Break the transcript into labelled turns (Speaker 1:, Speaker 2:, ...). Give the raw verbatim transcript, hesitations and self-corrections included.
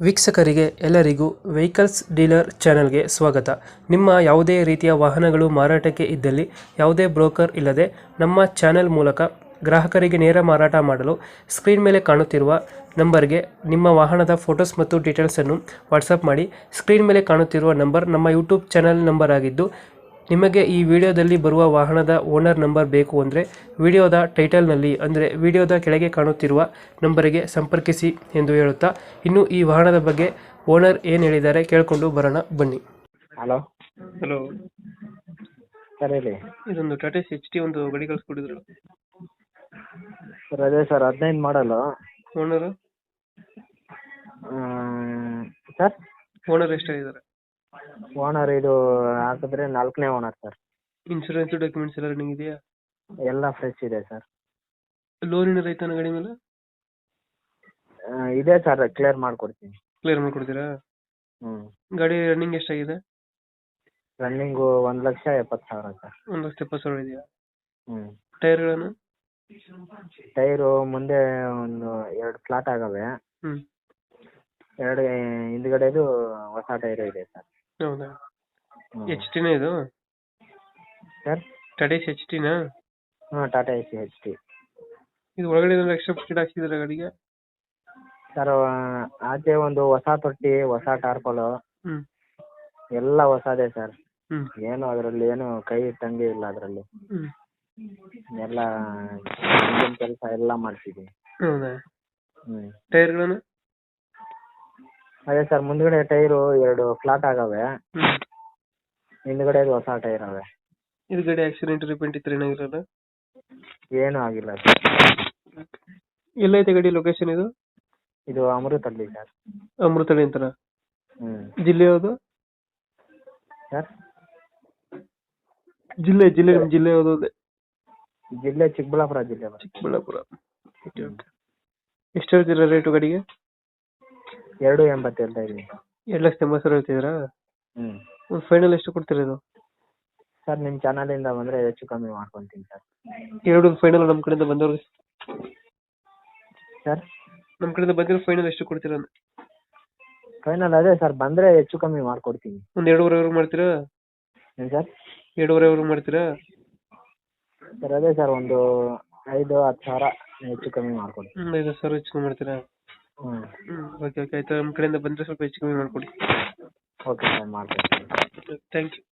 Speaker 1: ವೀಕ್ಷಕರಿಗೆ ಎಲ್ಲರಿಗೂ vehicles dealer ಚಾನೆಲ್ಗೆ ಸ್ವಾಗತ. ನಿಮ್ಮ ಯಾವುದೇ ರೀತಿಯ ವಾಹನಗಳು ಮಾರಾಟಕ್ಕೆ ಇದ್ದಲ್ಲಿ ಯಾವುದೇ ಬ್ರೋಕರ್ ಇಲ್ಲದೆ ನಮ್ಮ ಚಾನೆಲ್ ಮೂಲಕ ಗ್ರಾಹಕರಿಗೆ ನೇರ ಮಾರಾಟ ಮಾಡಲು ಸ್ಕ್ರೀನ್ ಮೇಲೆ ಕಾಣುತ್ತಿರುವ ನಂಬರ್ಗೆ ನಿಮ್ಮ ವಾಹನದ ಫೋಟೋಸ್ ಮತ್ತು ಡೀಟೇಲ್ಸನ್ನು ವಾಟ್ಸಪ್ ಮಾಡಿ. ಸ್ಕ್ರೀನ್ ಮೇಲೆ ಕಾಣುತ್ತಿರುವ ನಂಬರ್ ನಮ್ಮ ಯೂಟ್ಯೂಬ್ ಚಾನೆಲ್ ನಂಬರ್ ಆಗಿದ್ದು, ನಿಮಗೆ ಈ ವಿಡಿಯೋದಲ್ಲಿ ಬರುವ ವಾಹನದ ಓನರ್ ನಂಬರ್ ಬೇಕು ಅಂದರೆ ವಿಡಿಯೋದ ಟೈಟಲ್ನಲ್ಲಿ ಅಂದರೆ ವಿಡಿಯೋದ ಕೆಳಗೆ ಕಾಣುತ್ತಿರುವ ನಂಬರಿಗೆ ಸಂಪರ್ಕಿಸಿ ಎಂದು ಹೇಳುತ್ತಾ, ಇನ್ನು ಈ ವಾಹನದ ಬಗ್ಗೆ ಓನರ್ ಏನು ಹೇಳಿದ್ದಾರೆ ಕೇಳಿಕೊಂಡು ಬರೋಣ ಬನ್ನಿ.
Speaker 2: ಹಲೋ
Speaker 1: ಹಲೋ
Speaker 2: ಸರ್ ಹೇಳಿ.
Speaker 1: ಇದೊಂದು ಟಾಟಾ ಎಚ್ ಟಿ ಒಂದು ಗಾಡಿ ಕಳಿಸ್ಕೊಟ್ಟಿದ್ರು.
Speaker 2: ಸರ್ ಅದೇ ಸರ್ ಹದಿನೈದು ಮಾಡಲು.
Speaker 1: ಓನರ್
Speaker 2: ಸರ್
Speaker 1: ಓನರ್ ಎಷ್ಟಾಗಿದ್ದಾರೆ?
Speaker 2: ಓನರ್ ಇದು ಹಾಕಿದ್ರೆ ನಾಲ್ಕನೇ ಓನರ್ ಸರ್.
Speaker 1: ಇನ್ಶೂರೆನ್ಸ್ ಡಾಕ್ಯುಮೆಂಟ್ಸ್ ಎಲ್ಲ ರನ್ನಿಂಗ್ ಇದೆಯಾ?
Speaker 2: ಎಲ್ಲ ಫ್ರೆಶ್ ಇದೆ ಸರ್.
Speaker 1: ಲೋನ್ ಏನಾರ ಐತಾನ ಗಾಡಿ ಮೇಲೆ?
Speaker 2: ಆ, ಇದೆ ಸರ್, ಕ್ಲಿಯರ್ ಮಾಡಿಕೊಡ್ತೀನಿ.
Speaker 1: ಕ್ಲಿಯರ್ ಮಾಡ್ಕೊಡ್ತೀರಾ?
Speaker 2: ಹ್ಞೂ
Speaker 1: ಗಾಡಿ ರನ್ನಿಂಗ್ ಎಷ್ಟಾಗಿದೆ?
Speaker 2: ರನ್ನಿಂಗು ಒಂದು ಲಕ್ಷ ಎಪ್ಪತ್ತು ಸಾವಿರ ಸರ್.
Speaker 1: ಒಂದು ಲಕ್ಷ ಎಪ್ಪತ್ತು ಸಾವಿರ ಇದೆಯಾ?
Speaker 2: ಹ್ಞೂ
Speaker 1: ಟೈರ್ಗಳನ್ನು?
Speaker 2: ಟೈರು ಮುಂದೆ ಒಂದು ಎರಡು ಫ್ಲಾಟ್ ಆಗವೆ,
Speaker 1: ಹ್ಞೂ
Speaker 2: ಎರಡು ಹಿಂದ್ಗಡೆದು ಹೊಸ ಟೈರು ಇದೆ ಸರ್.
Speaker 1: ಹೌದಾ?
Speaker 2: ಹ್ಞೂ
Speaker 1: ಎಚ್ ಟಿನ ಇದು?
Speaker 2: ಸರ್
Speaker 1: ಟಾಟಾ ಎಚ್ ಟಿನಾ?
Speaker 2: ಹಾಂ ಟಾಟಾ ಎಸಿ ಎಚ್ ಟಿ.
Speaker 1: ಇದು ಒಳಗಡೆ ಏನಾದ್ರು ಎಕ್ಸ್ಟ್ರಾ ಫಿಟ್ ಹಾಕ್ಸಿದ್ರೆ ಗಾಡಿಗೆ?
Speaker 2: ಸರ್ ಆಚೆ ಒಂದು ಹೊಸ ತೊಟ್ಟಿ, ಹೊಸ ಟಾರ್ಪಲು,
Speaker 1: ಹ್ಞೂ
Speaker 2: ಎಲ್ಲ ಹೊಸದೇ ಸರ್.
Speaker 1: ಹ್ಞೂ
Speaker 2: ಏನು ಅದರಲ್ಲಿ ಏನು ಕೈ ಇಟ್ಟಂಗೆ ಇಲ್ಲ ಅದರಲ್ಲಿ.
Speaker 1: ಹ್ಞೂ
Speaker 2: ಎಲ್ಲ ಇಂಜಿನ್ ಕೆಲಸ ಎಲ್ಲ ಮಾಡಿಸಿದ್ದೀನಿ.
Speaker 1: ಹೌದಾ?
Speaker 2: ಹ್ಞೂ
Speaker 1: ಟೈರ್ಗಳನ್ನು?
Speaker 2: ಅದೇ ಸರ್, ಮುಂದ್ಗಡೆ ಟೈರು ಎರಡು ಫ್ಲಾಟ್ ಆಗವೆ,
Speaker 1: ಹ್ಞೂ
Speaker 2: ಹಿಂದ್ಗಡೆ ಹೊಸ ಟೈರ್ ಅವೆ.
Speaker 1: ಇದು ಗಾಡಿ ಆಕ್ಸಿಡೆಂಟ್ ರಿಪೇಂಟ್ ಇತ್ತು ಏನಾಗಿರಲ್ಲ?
Speaker 2: ಏನೂ ಆಗಿಲ್ಲ ಸರ್.
Speaker 1: ಎಲ್ಲೈತೆ ಗಾಡಿ ಲೊಕೇಶನ್ ಇದು?
Speaker 2: ಇದು ಅಮೃತಹಳ್ಳಿ ಸರ್.
Speaker 1: ಅಮೃತಹಳ್ಳಿ ಅಂತಾರ?
Speaker 2: ಹ್ಞೂ
Speaker 1: ಜಿಲ್ಲೆ ಯಾವುದು?
Speaker 2: ಸರ್
Speaker 1: ಜಿಲ್ಲೆ ಜಿಲ್ಲೆ ನಿಮ್ಮ ಜಿಲ್ಲೆ ಯಾವುದು ಅಂದೆ?
Speaker 2: ಜಿಲ್ಲೆ ಚಿಕ್ಕಬಳ್ಳಾಪುರ ಜಿಲ್ಲೆ ಬರುತ್ತೆ.
Speaker 1: ಚಿಕ್ಕಬಳ್ಳಾಪುರ. Okay okay. ಎಷ್ಟು ಹೇಳ್ತೀರಾ ರೇಟು ಗಾಡಿಗೆ?
Speaker 2: ಎರಡು ಎಂಬತ್ತು ಹೇಳ್ತಾ ಇದ್ದೀನಿ.
Speaker 1: ಎರಡು ಲಕ್ಷದ ಎಂಬತ್ತು ಸಾವಿರ ಹೇಳ್ತಿದ್ದೀರಾ?
Speaker 2: ಹ್ಞೂ
Speaker 1: ಒಂದು ಫೈನಲ್ ಎಷ್ಟು ಕೊಡ್ತೀರಾ ಇದು?
Speaker 2: ಸರ್ ನಿಮ್ಮ ಚಾನಲಿಂದ ಬಂದರೆ ಹೆಚ್ಚು ಕಮ್ಮಿ ಮಾಡ್ಕೊತೀನಿ ಸರ್.
Speaker 1: ಎರಡು ಫೈನಲ್ ನಮ್ಮ ಕಡೆಯಿಂದ ಬಂದವ್ರಿಗೆ?
Speaker 2: ಸರ್
Speaker 1: ನಮ್ಮ ಕಡೆಯಿಂದ ಬಂದಿರೋ ಫೈನಲ್ ಎಷ್ಟು ಕೊಡ್ತೀರಾ ಅಂತ?
Speaker 2: ಫೈನಲ್ ಅದೇ ಸರ್, ಬಂದರೆ ಹೆಚ್ಚು ಕಮ್ಮಿ ಮಾಡ್ಕೊಡ್ತೀನಿ.
Speaker 1: ಒಂದು ಎರಡೂವರೆವರೆಗೂ ಮಾಡ್ತೀರಾ?
Speaker 2: ಏನು ಸರ್?
Speaker 1: ಎರಡೂವರೆವರೆಗೂ ಮಾಡ್ತೀರಾ?
Speaker 2: ಸರ್ ಅದೇ ಸರ್, ಒಂದು ಐದು ಹತ್ತು ಸಾವಿರ ಹೆಚ್ಚು ಕಮ್ಮಿ ಮಾಡ್ಕೊಡ್ತೀನಿ.
Speaker 1: ಹ್ಞೂ ಐದು ಸಾವಿರ ಹೆಚ್ಚು ಕಮ್ಮಿ ಮಾಡ್ತೀರಾ?
Speaker 2: ಹ್ಞೂ
Speaker 1: ಹ್ಞೂ ಓಕೆ ಓಕೆ ಆಯ್ತು. ನಮ್ಮ ಕಡೆಯಿಂದ ಬಂದರೆ ಸ್ವಲ್ಪ ಹೆಚ್ಚು ಕಮ್ಮಿ ಮಾಡಿಕೊಡಿ.
Speaker 2: ಓಕೆ ಸರ್, ಮಾಡ್ತೀನಿ.
Speaker 1: Thank you.